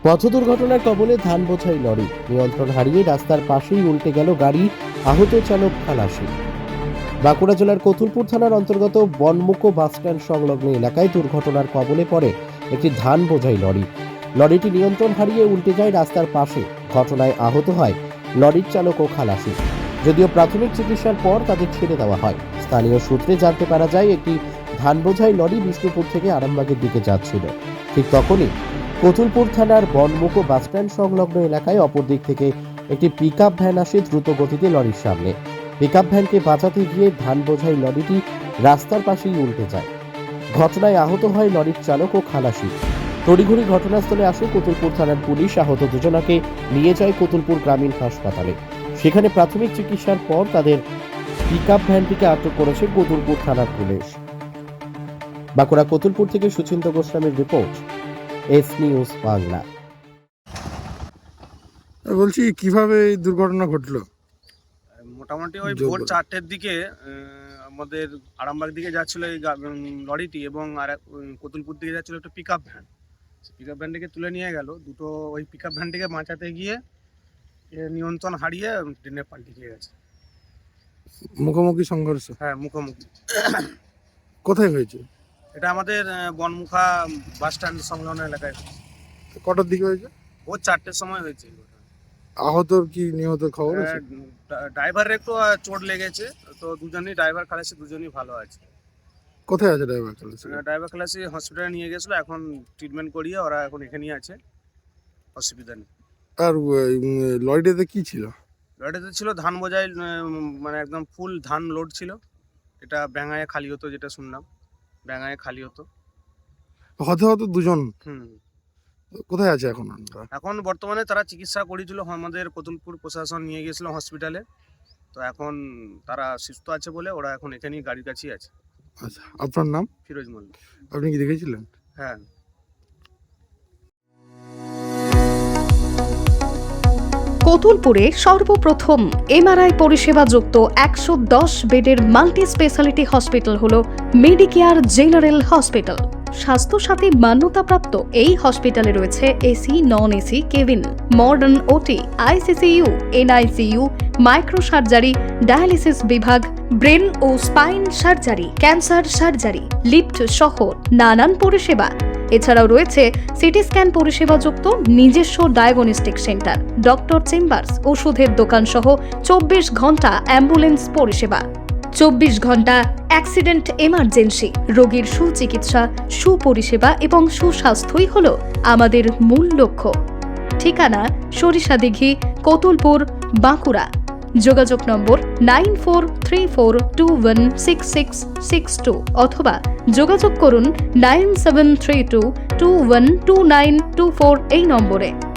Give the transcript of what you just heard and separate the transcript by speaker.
Speaker 1: পথ দুর্ঘটনার কবলে ধান বোঝাই লরি, নিয়ন্ত্রণ হারিয়ে রাস্তার পাশেই উল্টে গেল গাড়ি, আহত চালক খালাসি। বাঁকুড়া জেলার কতুলপুর থানার অন্তর্গত বনমুকো বাসস্ট্যান্ড সংলগ্ন এলাকায় দুর্ঘটনার কবলে পড়ে একটি ধান বোঝাই লরি। লরিটি নিয়ন্ত্রণ হারিয়ে উল্টে যায় রাস্তার পাশে। ঘটনায় আহত হয় লরির চালক ও খালাসি। যদিও প্রাথমিক চিকিৎসার পর তাদের ছেড়ে দেওয়া হয়। স্থানীয় সূত্রে জানতে পারা যায় একটি ধান বোঝাই লরি বিষ্ণুপুর থেকে আরামবাগের দিকে যাচ্ছিল। ঠিক তখনই কতুলপুর থানার বনমুকো বাসস্ট্যান্ড সংলগ্ন এলাকায় অপর দিক থেকে একটি পিকআপ ভ্যান আসে দ্রুত গতিতে লরির সামনে। পিকআপ ভ্যানকে বাঁচাতে গিয়ে ধান বোঝাই লরিটি রাস্তার পাশেই উল্টে যায়। ঘটনায় আহত হয় লরির চালক ও খালাসি। তড়িঘড়ি ঘটনাস্থলে আসে কতুলপুর থানার পুলিশ। আহত দুজনাকে নিয়ে যায় কতুলপুর গ্রামীণ হাসপাতালে। সেখানে প্রাথমিক চিকিৎসার পর তাদের পিকআপ ভ্যানটিকে আটক করেছে কতুলপুর থানার পুলিশ। বাঁকুড়া কতুলপুর থেকে সুচিন্ত গোস্বামীর রিপোর্ট, এস নিউজ বাংলা।
Speaker 2: বলছি কিভাবে এই দুর্ঘটনা ঘটলো?
Speaker 3: মোটামুটি ওই ভোর 4টের দিকে আমাদের আরামবাগ দিকে যাচ্ছিল এই লরিটি এবং আর কতুলপুর দিকে যাচ্ছিল একটা পিকআপ ভ্যান। পিকআপ ভ্যানটিকে তুলে নিয়ে গেল। দুটো ওই পিকআপ ভ্যানটিকে বাঁচাতে গিয়ে নিয়ন্ত্রণ হারিয়ে ট্রেনে পাল্টে গিয়ে গেছে।
Speaker 2: মুখোমুখি সংঘর্ষ?
Speaker 3: হ্যাঁ, মুখোমুখি।
Speaker 2: কোথায় হয়েছে
Speaker 3: এটা আমাদের বনমুখা বাস স্ট্যান্ড সংলগ্ন এলাকায়।
Speaker 2: কটার দিকে হয়েছে?
Speaker 3: ভোর 4টের সময় হয়েছে।
Speaker 2: আহতর কি নিহত খবর আছে?
Speaker 3: ড্রাইভারের একটু চোট লেগেছে, তো দুজনই ড্রাইভার খালাসি দুজনই ভালো আছে।
Speaker 2: কোথায় আছে ড্রাইভার?
Speaker 3: ড্রাইভার খালাসি হসপিটালে নিয়ে গেছিলো, এখন ট্রিটমেন্ট করিয়ে ওরা এখন এখানেই আছে, অসুবিধা নেই।
Speaker 2: আর লরিটাতে কি ছিল?
Speaker 3: লরিটাতে ছিল ধান বোঝাই, মানে একদম ফুল ধান লোড ছিল। এটা ব্যাঙায় খালি হতো, যেটা শুনলাম ব্যাঙায় খালি হতো।
Speaker 2: হতে দুজন।
Speaker 3: হুম।
Speaker 2: কোথায় আছে এখন?
Speaker 3: এখন বর্তমানে তারা চিকিৎসা করেছিল, আমাদের কতুলপুর প্রশাসন নিয়ে গেছিল হসপিটালে। তো এখন তারা সুস্থ আছে বলে ওরা এখন এখানেই গাড়ির কাছেই আছে।
Speaker 2: আচ্ছা, আপনার নাম?
Speaker 3: ফিরোজ মল্লিক।
Speaker 2: আপনি কি দেখেছিলেন?
Speaker 3: হ্যাঁ।
Speaker 4: কতুলপুরে সর্বপ্রথম এমআরআই পরিষেবা যুক্ত 110 বেডের মাল্টি স্পেশালিটি হসপিটাল হল মেডিকেয়ার জেনারেল হসপিটাল। স্বাস্থ্যসাথী মান্যতাপ্রাপ্ত এই হসপিটালে রয়েছে AC, non AC cabin, modern OT, ICCU, NICU, micro surgery, dialysis বিভাগ, ব্রেন ও spine surgery, cancer surgery, lift সহ নানান পরিষেবা। এছাড়াও রয়েছে সিটি স্ক্যান পরিষেবাযুক্ত নিজস্ব ডায়াগনস্টিক সেন্টার, ডক্টর চেম্বার্স, ওষুধের দোকান সহ 24 ঘন্টা অ্যাম্বুলেন্স পরিষেবা, 24 ঘন্টা অ্যাক্সিডেন্ট এমার্জেন্সি। রোগীর সুচিকিৎসা, সুপরিষেবা এবং সুস্বাস্থ্যই হল আমাদের মূল লক্ষ্য। ঠিকানা সরিষাদিঘি, কতুলপুর, বাঁকুড়া। যোগাযোগ নম্বর 9434216662 অথবা যোগাযোগ করুন 9732212924 এই নম্বরে।